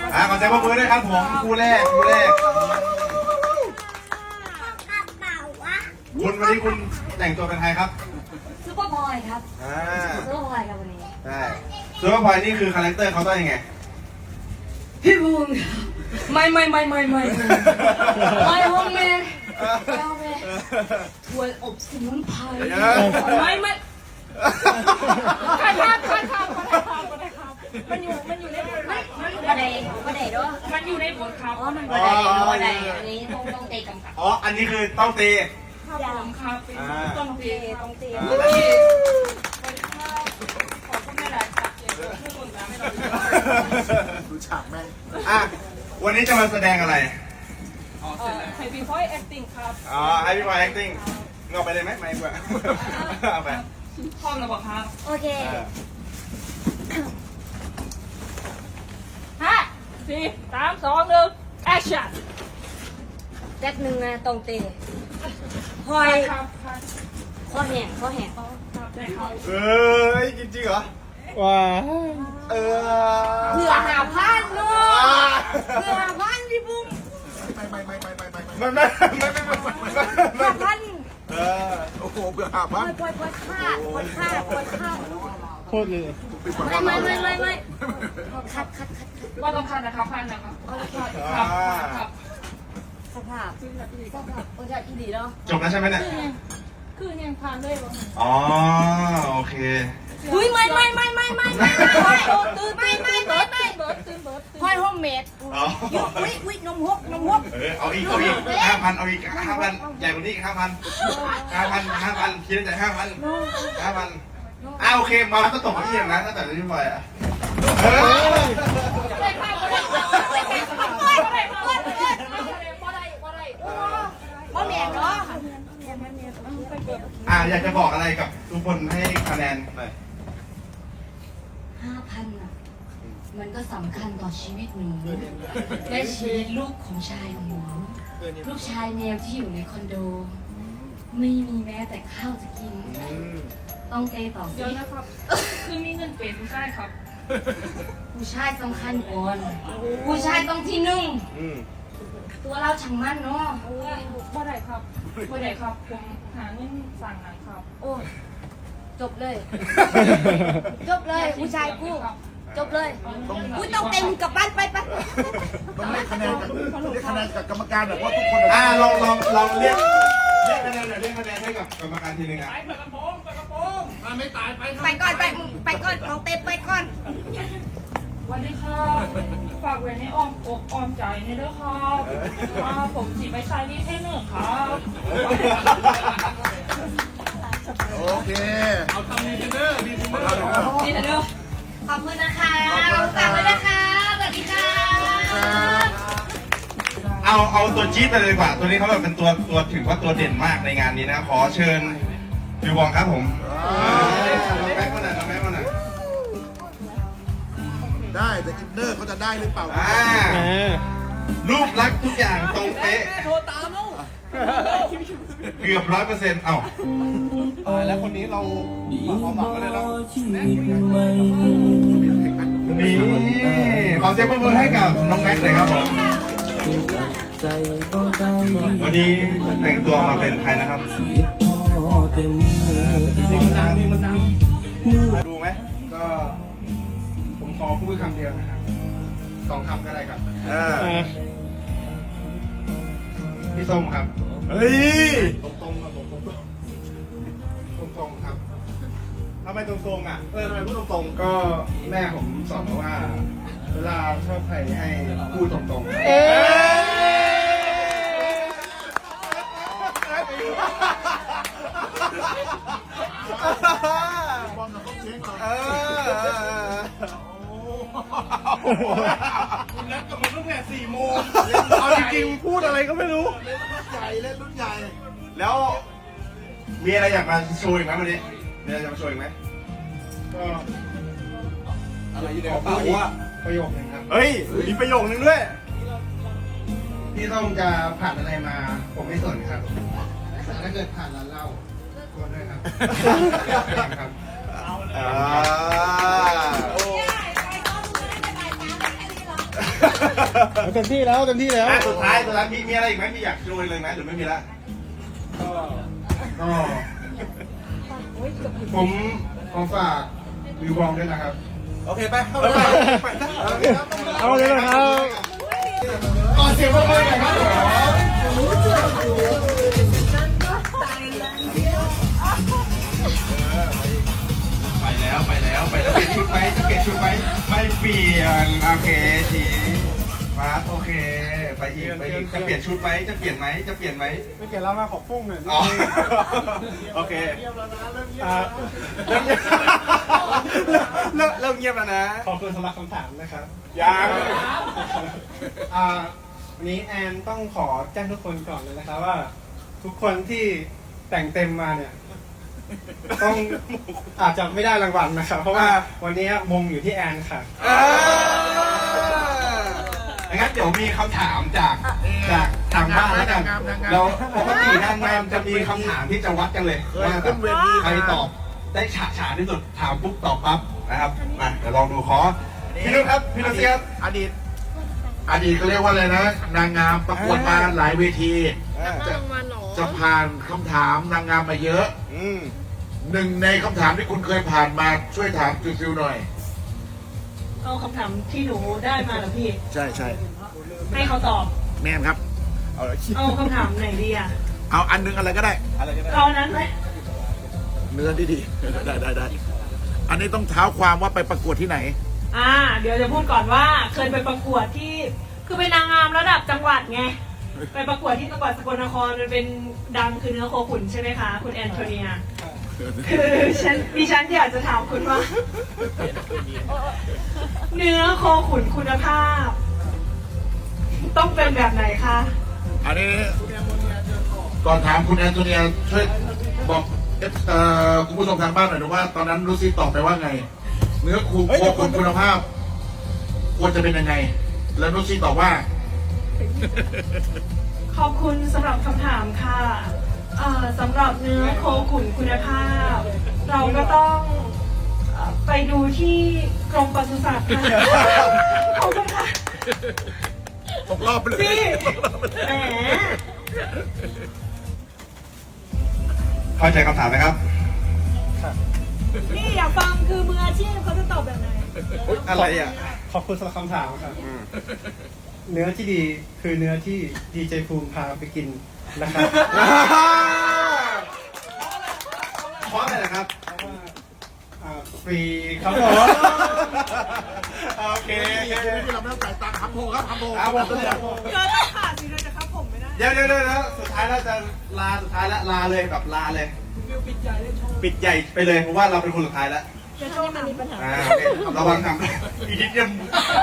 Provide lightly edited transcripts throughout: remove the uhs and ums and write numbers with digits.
ขอเสียงปรบมือด้วยครับผมคู่แรกคุณวันนี้คุณแต่งตัวเป็นใครครับซุปเปอร์บอยครับซุปเปอร์บอยครับวันนี้ใช่ซูเปอร์พอยนี่คือคาแรคเตอร์เขาต้องยังไงพี่บูมไม่ห้องแม่ถั่วอบสมุนไพรไม่ข้ามันอยู่ในบทมันบันไดด้วยมันอยู่ในบทครับอ๋อมันบันไดอันนี้ต้องเตะกำกับอ๋ออันนี้คือต้องตีครับผมครับต้องเตะขอบคุณแม่หลายครับดูฉากแม่งวันนี้จะมาแสดงอะไรให้พี่พอย acting ครับให้พี่พอย acting เงาไปเลยไหมไม่กว่าเอาไปพร้อมแล้วบอกครับโอเค5 4 3 2 1 action แจ็คหนึ่งนะตรงเตะพอยข้อแห้งจริงเหรอว้าเผื่อหาพันเนาะเผื่อหาพันพี่บุ้มไม่หาพันโอ้โหเบื่อหาบ้านปล่อยฆ่าโคตรเลยไม่คัดว่าต้องคัดนะครับพันนะครับครับสภาพโอ้ยอีดีเนาะจบแล้วใช่ไหมเนี่ยคือยังผ่านเลยวะโอเคอุ้ยไม่พอยโฮมเมดอุ้ยนมฮกเอาอีก5,000เอาอีก5,000ใหญ่กว่านี้อีก5,000คิดในใจ5,000โอเคมาก็ตกที่อย่างนั้นตั้งแต่ที่ไปบ่แม่เนาะอยากจะบอกอะไรกับทุกคนให้คะแนนหน่อย 5,000มันก็สำคัญต่อชีวิตหนูและชีวิตลูกของชายของหนูลูกชายแมวที่อยู่ในคอนโดไม่มีแม้แต่ข้าวจะกินต้องเตะต่อเดี๋ยวนะครับคือมีเงินเป็นผู้ชายครับผู้ชายสำคัญก่อนผู้ชายต้องที่หนึ่งตัวเราช่างมั่นเนาะบ่ได้ครับผมหาเงินสั่งหนังครับโอ้จบเลยผู้ชายกูจบเลยกูต้องเต็มกับบ้านไปต้องเรียกคะแนนกับกรรมการแบบว่าทุกคนลองเรียกคะแนนหน่อยเรียกคะแนนให้กับกรรมการทีนึงไปกระโปรงไม่ตายไปก่อนลองเต็มไปก่อนวันนี้ค่ะฝากไว้ในอ้อมอกอ้อมใจนี่ด้วยครับผมจีบไปชายนี่ให้หนึ่งครับโอเคเอาทำดีเทนเนอร์ขอบคุณนะคะฝากไว้นะคะสวัสดีค่ะเอาตัวจี๊ดไปเลยดีกว่าตัวนี้เขาแบบเป็นตัวถือว่าตัวเด่นมากในงานนี้นะขอเชิญบิวบองครับผมแม็กมาหน่อยได้แต่อินเนอร์เขาจะได้หรือเปล่ารูปลักษณ์ทุกอย่างตรงเป๊ะโทรตามแล้วเกือบ100% แล้วคนนี้เราความหวังกันเลยแล้วนี่ขอเสียงปรบมือให้กับน้องแม็กเลยครับผมวันนี้แต่งตัวมาเป็นใครนะครับดูไหมก็ผมขอพูดคำเดียวนะครับ2 คำก็ได้ครับพี่ส้มครับเฮ้ยตรงครับตรงครับทำไมตรงอ่ะทำไมพูดตรงก็แม่ผมสอนมาว่าเวลาชอบใครให้พูดตรงนัดกับมันตั้งแต่4 โมงเอาจริงๆพูดอะไรก็ไม่รู้เล่นรุ่นใหญ่แล้วมีอะไรอยากมาโชว์อีกไหมวันนี้มีอะไรจะมาโชว์อีกไหมก็อะไรอยู่ในกระเป๋าอะประโยคนึงครับเฮ้ยมีประโยคนึงด้วยพี่ต้องจะผ่านอะไรมาผมไม่สนครับแต่ถ้าเกิดผ่านร้านเหล้าก็ด้วยครับเต็มที่แล้วเต็มที่แล้วสุดท้ายมีอะไรอีกไหมมีอยากชวนเลยไหมหรือไม่มีละก็ผมขอฝากวิวบองด้วยนะครับโอเคไปเข้าไปเอาเลยนะครับก่อนเสียงเพื่อนๆหน่อยครับไปแล้วเปลี่ยนชุดไหมจะเปลี่ยนชุดไหมไม่เปลี่ยนโอเคทีมาโอเคไปอีกจะเปลี่ยนชุดไหมจะเปลี่ยนไหมจะเปลี่ยนไหมไม่เกี่ยวแล้วมาขอฟุ้งหน่อยอ๋อโอเค เริ่มเงียบแล้วนะขอบคุณสำหรับคำถามนะครับยังวันนี้แอนต้องขอแจ้งทุกคนก่อนเลยนะครับว่า ทุกคนที่แต่งเต็มมาเนี่ยต้องอาจจะไม่ได้รางวัลนะครับ เพราะว่าวันนี้มงอยู่ที่แอนค่ะงั้นเดี๋ยวมีคำถามจากทางบ้านแล้วกันเราปกตินางงามจะมีคำถามที่จะวัดกันเลยว่าใครตอบได้ฉาฉานที่สุดถามปุ๊บตอบปั๊บนะครับมาเดี๋ยวลองดูขอพี่นุ่นครับพี่นุ่นครับอดีตเขาเรียกว่าอะไรนะ นางงามประกวดมาหลายเวทีจะผ่านคำถามนางงามมาเยอะหนึ่งในคำถามที่คุณเคยผ่านมาช่วยถามฟิวๆหน่อยเอาคำถามที่หนูได้มาเหรอพี่ใช่ใช่ให้เขาตอบแม่นครับเอาคำถามไหนดีอ่ะเอาอันนึงอะไรก็ได้เอาอันนั้นไหมเนื้อดีๆได้อันนี้ต้องเท้าความว่าไปประกวดที่ไหนเดี๋ยวจะพูดก่อนว่าเคยไปประกวดที่ คือเป็นนางงามระดับจังหวัดไง ไปประกวดที่จังหวัดสกลนครมันเป็นดังคือเนื้อโคขุนใช่ไหมคะ คุณแอนโทเนีย คือดิฉันอยากจะถามคุณว่า เนื้อโคขุนคุณภาพ ต้องเป็นแบบไหนคะอันนี้ก่อนถามคุณแอนโทเนียช่วยบอกคุณผู้ชมทางบ้านหน่อยนะว่าตอนนั้นลูซี่ตอบไปว่าไง เนื้อคูโคขุนคุณภาพ ควรจะเป็นยังไง แล้วลูซี่ตอบว่าขอบคุณสำหรับคำถามค่ะสำหรับเนื้อโคขุนคุณภาพ เราก็ต้องไปดูที่กรมปศุสัตว์ค่ะขอบคุณค่ะตกรอบไปเลยพี่แหมเข้าใจคำถามไหมครับนี่อยากฟังคือมืออาชีพเขาจะตอบแบบไหนอะไรอ่ะขอบคุณสำหรับคำถามครับเนื้อที่ดีคือเนื้อที่ดีเจภูมิพาไปกินนะครับเพราะอะไรนะครับฟรีครับผมโอเคที่เราไม่ต้องจ่ายตังค์ทำโพครับทำโพเอาหมดเลยเกินราคาสิเลยจะครับผมไม่ได้เดี๋ยวสุดท้ายแล้วจะลาเลยแบบลาเลย ปิดใหญ่ไปเลยเพราะว่าเราเป็นคนสุดท้ายแล้วจะต้องมีปัญหาโอเคระวังทำอีกนิดเดียว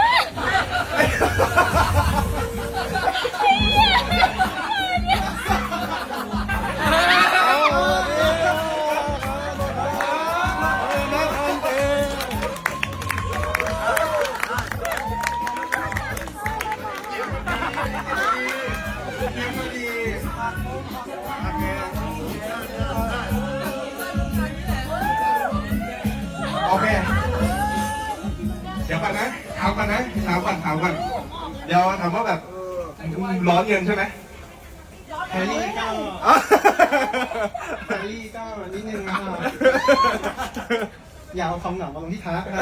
โอเค เดี๋ยวก่อนนะถามก่อนเดี๋ยวถามว่าแบบร้อนเงินใช่ไหมแฮร์รี่ก็นิดนึงนะครับอย่าเอาความเหงามาลงที่ทักนะ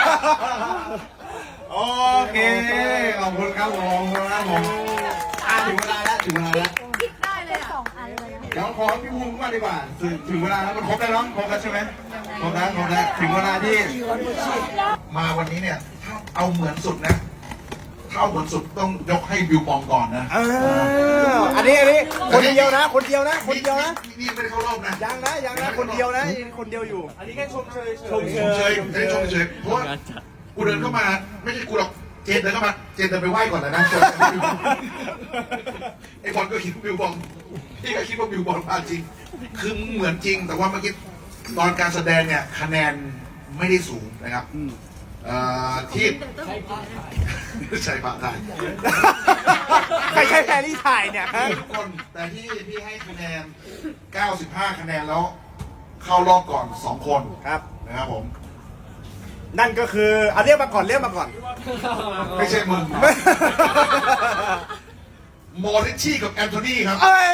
โอเค ขอบคุณครับผมถึงเวลาแล้วเดี๋ยวขอพี่ภูมิว่าดีกว่าถึงเวลาแล้วมันครบแล้วเนาะครบแล้วใช่ไหมครบแล้วถึงเวลาที่มาวันนี้เนี่ยถ้าเอาเหมือนสุดนะถ้าเอาเหมือนสุดต้องยกให้บิวบองก่อนนะอันนี้คนเดียวนะนี่ไม่ได้เข้ารอบนะยังนะคนเดียวนะคนเดียวอยู่อันนี้แค่ชมเชยชมเชยเพราะว่ากูเดินเข้ามาไม่ใช่กูหรอกเจนเดินเข้ามาเจนเดินไปไหว้ก่อนนะไอ้บอลก็คิดว่าบิวบองพี่ก็คิดว่าบิวบองมาจริงคือเหมือนจริงแต่ว่าเมื่อกี้ตอนการแสดงเนี่ยคะแนนไม่ได้สูงนะครับที่ใช่พระถ่ายใครใช้แพรรี่ถ่ายเนี่ยฮะทุกคนแต่ที่พี่ให้คะแนน 95 คะแนนแล้วเข้ารอบก่อน 2 คนครับนะครับผมนั่นก็คือเอาเรียกมาก่อนไม่ใช่มึงโมริชี่กับแอนโทนีครับเอ้ย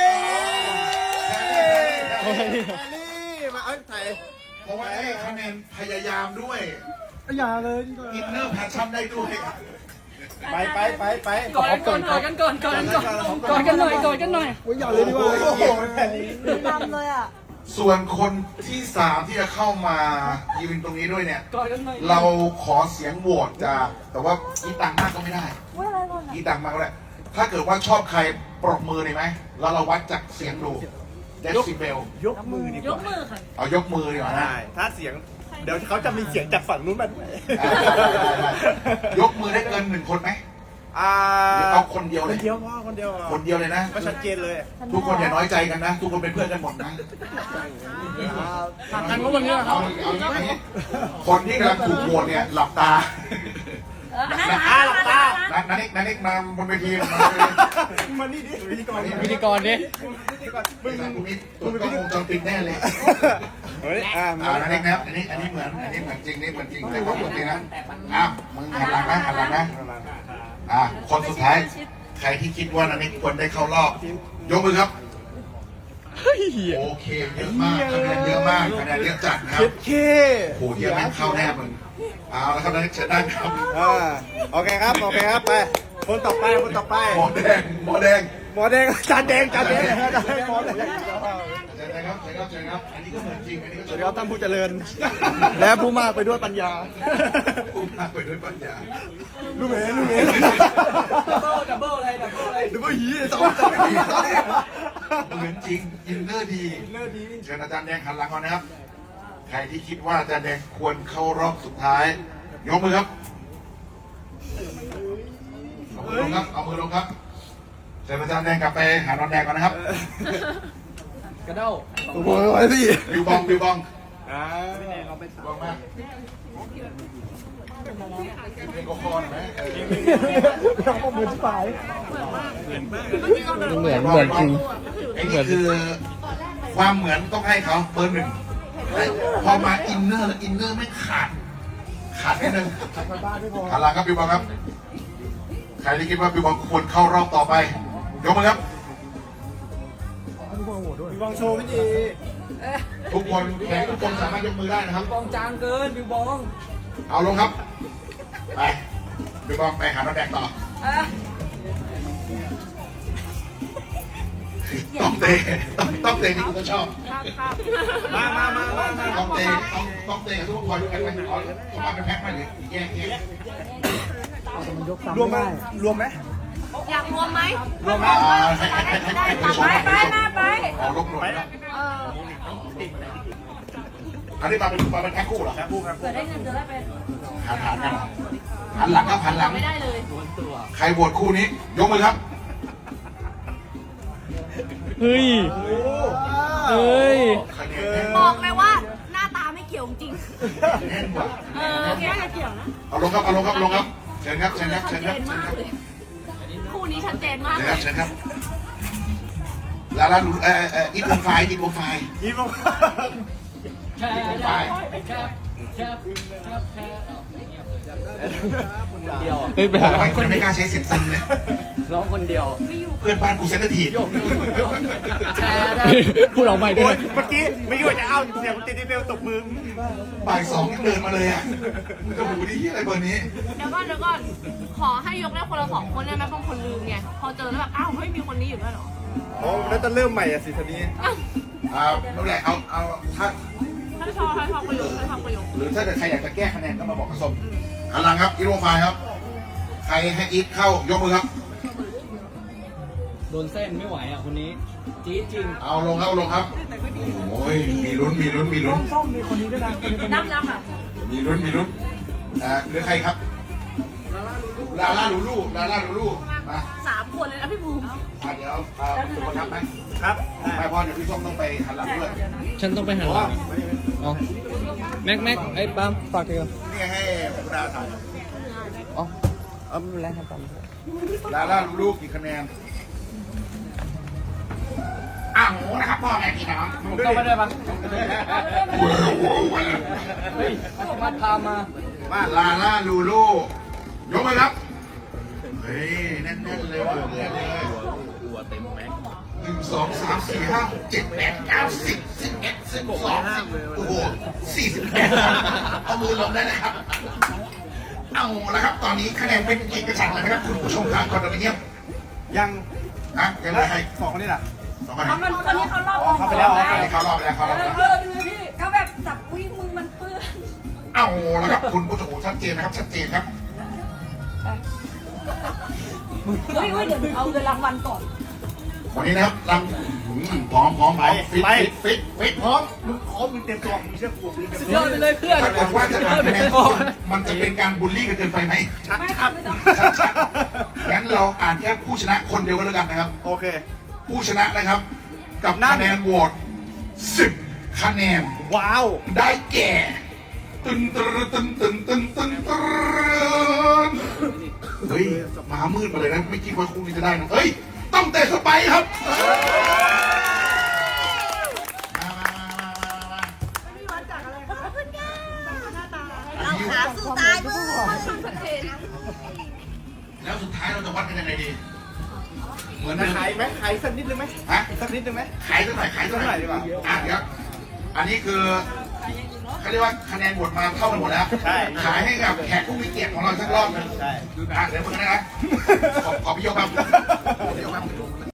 มาเอ้ยไทยเพราะว่าได้คะแนนพยายามด้วยอย่าเลยอินเนอร์แพชชั่นได้ด้วยไปกอดกันหน่อยอย่าเลยดีกว่าดำเลยอ่ะส่วนคนที่สามที่จะเข้ามายืนตรงนี้ด้วยเนี่ย เราขอเสียงโหวตจากแต่ว่าอีตังมากก็ไม่ได้ว่าอะไรก่อนอีตังมากก็ได้ ถ้าเกิดว่าชอบใครปรบมือได้ไหมแล้วเราวัดจากเสียงดูเดซิเบลยกมือดีกยว่ากมือค่ะเอายกมือดีกว่านะได้ถ้าเสียง เดี๋ยวเขาจะมีเสียงจากฝั่งนู้นมาด้วยยกมือได้เกินหนึ่งคนไหมอ่าหรือเอาคนเดียวคเลยนเดียวพ่อคนเดียวคนเดียวเลยนะก็ชัดเจนเลยทุกคนอย่าน้อยใจกันนะ ทุกคนเป็นเพื่อนกันหมดนะกันว่าวันนี้เอาอย่างนี้คนที่กำลังถูกโหวตเนี่ยหลับตาหลับตานันนิกมาบนเวทีมามานี่ดิพิธีกรพิธีกรดิมึงนี่ตัวกล้องวงจรปิดแน่เลยเฮ้ยมานันนิกนะครับอันนี้เหมือนจริงนี่เหมือนจริงแต่ว่าปกตินะมึงหันหลังนะคนสุดท้ายใครที่คิดว่านันนิกควรได้เข้ารอบยกมือครับโอเคเยอะมากคะแนนเยอะมากคะแนนเยอะจัดครับเคโอ้โหเฮียแม่งเข้าแน่มึงเอาแล้วครับนันนิกเชิญได้ครับโอเคครับไปคนต่อไปหมอแดงหมอแดงจานแดงหมอแดงเชิญครับอันนี้ก็เหมือนจริงอันนี้ก็สวัสดีครับท่านผู้เจริญ และผู้มากไปด้วยปัญญาอุ้มพาไปด้วยปัญญาลูกเอ๋ดับเบิลหีสองเหมือนจริงอินเนอร์ดีเชิญอาจารย์แดงหันหลังก่อนนะครับใครที่คิดว่าอาจารย์แดงควรเข้ารอบสุดท้ายยกมือครับเอามือลงครับเชิญอาจารย์แดงกลับไปหานอนแดงก่อนนะครับกระเด้าโอ้ยไว้สิบิวบองบิวบองพี่แนนเราไปบองมากเพลงก็คอหน่อยไหมเหมือนที่ฝ่ายเหมือนจริงไอ้นี่คือความเหมือนต้องให้เขาเบอร์หนึ่งพอมาอินเนอร์แล้วอินเนอร์ไม่ขาดนิดนึงหันหลังครับบิวบองครับใครที่คิดว่าบิวบองควรเข้ารอบต่อไปยกมือครับมีบองโชว์พี่จีทุกคนแขกทุกคนสามารถยกมือได้นะครับบองจางเกินบิวบองเอาลงครับไปบิวบองไปหาน้องแดงต่อต้องเตะต้องเตะที่คุณชอบมาต้องเตะต้องเตะกับทุกคนด้วยกันไปเอามาเป็นแพ็คมาหรือแยกรวมไหมอยากรวมไหมรวมไปเอาลบหน่อยนะอันนี้มาเป็นแพ็คคู่เหรอคู่ครับเผื่อได้เงินจะได้ไปหันกันหันหลังครับหันหลังไม่ได้เลยใครโหวตคู่นี้ยกมือครับเฮ้ยคะแนนแน่นบอกเลยว่าหน้าตาไม่เกี่ยวจริงแน่นกว่าแค่เกี่ยวนะเอาลงครับเชิญครับชัดเจนมากเลยคู่นี้ชัดเจนมากเลยเชิญครับลาลูอีทวงไฟอีบองไฟคนไม่กล้าใช้เสียงซิงเลยร้องคนเดียวเพื่อนบ้านกูเซนเตอร์ทีฟพูดออกไปด้วยเมื่อกี้ไม่คิดว่าจะเอาเสียงติดที่เบลตบมือบ่ายสองเดินมาเลยอ่ะมันจะหูดีอะไรเบอร์นี้เดี๋ยวก่อนขอให้ยกได้คนละ2 คนได้ไหมบางคนลืมไงพอเจอแล้วแบบอ้าวเฮ้ยมีคนนี้อยู่ด้วยเหรอโอ้แล้วจะเริ่มใหม่อ่ะสิทีนี้นั่นแหละเอาถ้าท่านชอประโยคหรือถ้าเกิดใครอยากจะแก้คะแนนก็มาบอกผสมหันหลังครับอีทวงไฟครับ ใครให้อีทเข้ายกมือครับโดนเส้นไม่ไหวอ่ะคนนี้จี๊ดจริงเอาลงครับ โอ้ยมีลุ้นน้ำอ่ะมีลุ้นเหลือใครครับลาล่าลูลูมา 3 คนเลยนะพี่ภูมิเดี๋ยวทุกคนครับไหมครับไม่พอเดี๋ยวพี่ส้มต้องไปหันหลังด้วยฉันต้องไปหันหลังอ๋อแม็กไอ้ปั๊มฝากเถอะนี่ให้คุณดาทอ๋อไม่เป็นไรครับปั๊มำลาล่าลูลูกี่คะแนนนะครับพ่อแม่พี่น้องต้องไปด้วยปะโอ้โหเฮ้ยมาพามามาลาล่าลูลูยกมือครับเฮ้ยแน่นๆเลยว่ะแน่นเลย1 2 3 4 5 6 7 8 9 10 11 12โอ้โห48เอามือลงได้นะครับเอาละครับตอนนี้คะแนนเป็นเอกฉันท์แล้วนะครับคุณผู้ชมทางคอนโดมิเนียมยังนะยังไงให้สองคนนี่แหละสองคนเขามันคนนี้เขารอบเข้าไปแล้วเขารอบไปแล้วเขารอบไปแล้วดูพี่เขาแบบจับอุ้ยมือมันเปื้อนเอาละครับคุณผู้ชมชัดเจนนะครับชัดเจนครับเฮ้ยเดี๋ยวเอาเงินรางวัลก่อนวันนี้นะครับรังพร้อมฟิตพร้อมมึงพร้อมมึงเต็มตัวมึงเชื่อกูมึงเต็มสุดตัยว อดไปเลยเพื่อนถ้าเกิดว่าจะอ่านคะแนนมันจะเป็นการบูลลี่กันเกินไปไหมไม่ครับไม่ต้องงั้นเราอ่านแค่ผู้ชนะคนเดียวกันแล้วกันนะครับโอเคผู้ชนะนะครับ กับคะแนนโหวต10 คะแนนว้าวได้แก่ตึนตึนตึนตึนตึนตึนตึนเฮ้ยมามืดมาเลยนะไม่คิดว่าคู่นี้จะได้นะเฮ้ยต้องเตะสไปร์ครับเราหาสู้ตายมือแล้วสุดท้ายเราจะวัดกันยังไงดีเหมือนขายไหมขายสักนิดนึงไหมฮะสักนิดนึงไหมขายสักหน่อยขายสักหน่อยดีกว่าเดี๋ยวอันนี้คือเขาเรียกว่าคะแนนโหวตมาเท่ากันหมดแล้วใช่ขายให้กับแขกผู้มีเกียรติของเราสักรอบหนึงใช่เดี๋ยวมึงนะขอพี่โยกครับพี่โยกครับ